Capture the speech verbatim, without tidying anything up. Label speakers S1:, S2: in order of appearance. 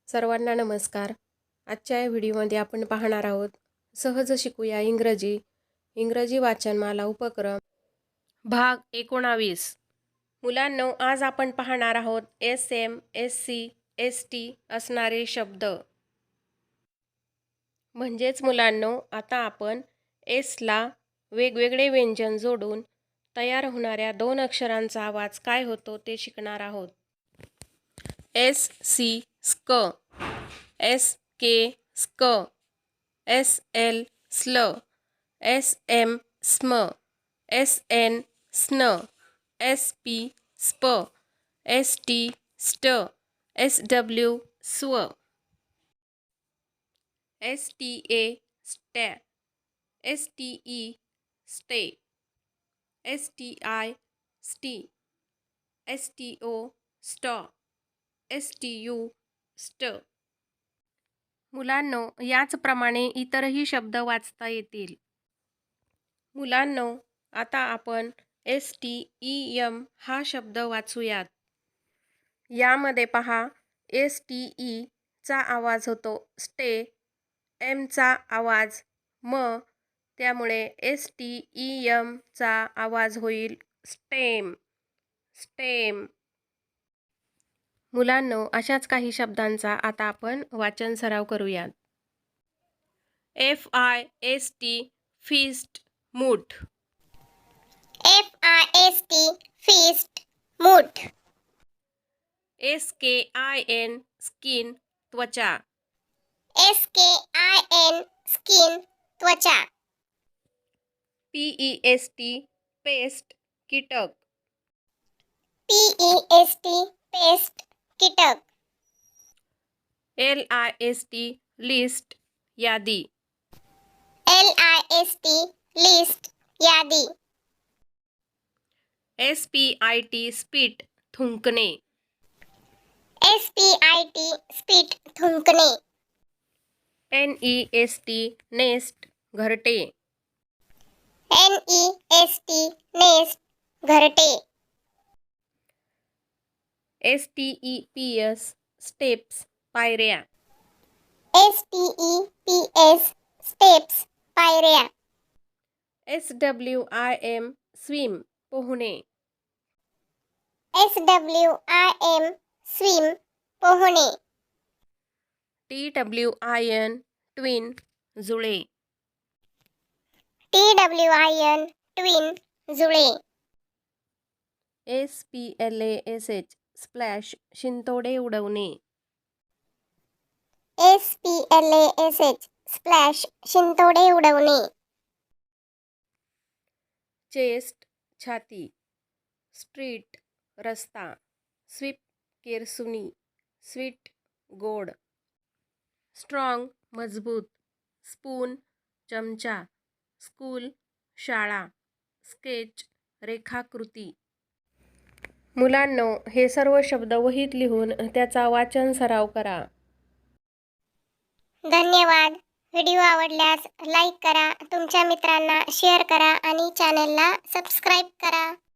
S1: सर्वांना नमस्कार. आजच्या या व्हिडिओमध्ये आपण पाहणार आहोत सहज शिकूया इंग्रजी इंग्रजी वाचनमाला उपक्रम भाग एकोणावीस. मुलांनो, आज आपण पाहणार आहोत S M S C S T असणारे शब्द. म्हणजेच मुलांनो, आता आपण एसला वेगवेगळे व्यंजन जोडून तयार होणाऱ्या दोन अक्षरांचा आवाज काय होतो ते शिकणार आहोत. एस सी स्क, एस के स्क, एस एल स्ल, एस एम स्म, एस एन स्न, एस पी स्प, एस टी स्ट, एस डब्ल्यू स्व, एस टी ए स्टॅ, एस टी ई स्टे, एस टी आय स्टी, एस टी ओ स्टॉ, एस टी यू स्ट. मुलांनो, याचप्रमाणे इतरही शब्द वाचता येतील. मुलांनो, आता आपण एस टी ई एम हा शब्द वाचूयात. यामध्ये पहा, एस टी ई चा आवाज होतो स्टे, एम चा आवाज म, त्यामुळे एस टी ई एम चा आवाज होईल स्टेम, स्टेम. मुलांनो, अशाच काही शब्दांचा आता आपण वाचन सराव करूयात. F I S T fist, मूठ.
S2: F I S T fist, मूठ.
S1: S K I N skin, त्वचा.
S2: S K I N skin, त्वचा.
S1: P E S T pest, कीटक.
S2: P E S T pest, कीटक.
S1: L I S T list, यादी.
S2: L I S T list, यादी.
S1: S P I T spit, थुंकणे.
S2: S P I T spit, थुंकणे.
S1: N E S T nest, घरटे.
S2: N E S T nest, घरटे.
S1: S T E P S steps, पायऱ्या.
S2: S T E P S steps, पायऱ्या.
S1: S W I M swim, पोहणे.
S2: S W I M swim, पोहणे.
S1: T W I N twin, जुळे.
S2: T W I N twin, जुळे.
S1: S P L A S H splash, शिंतोडे उडवणे.
S2: S P L A S H splash, शिंतोडे उडवणे.
S1: Chest, छाती. Street, रस्ता. Sweep, केरसुनी. स्वीट, गोड. स्ट्रॉंग, मजबूत. स्पून, चमचा. स्कूल, शाळा. स्केच, रेखाकृती. मुलांनो, हे सर्व शब्द वहीत लिहून त्याचा वाचन सराव करा.
S2: धन्यवाद. व्हिडिओ आवडल्यास लाईक करा, तुमच्या मित्रांना शेअर करा आणि चॅनलला सबस्क्राईब करा.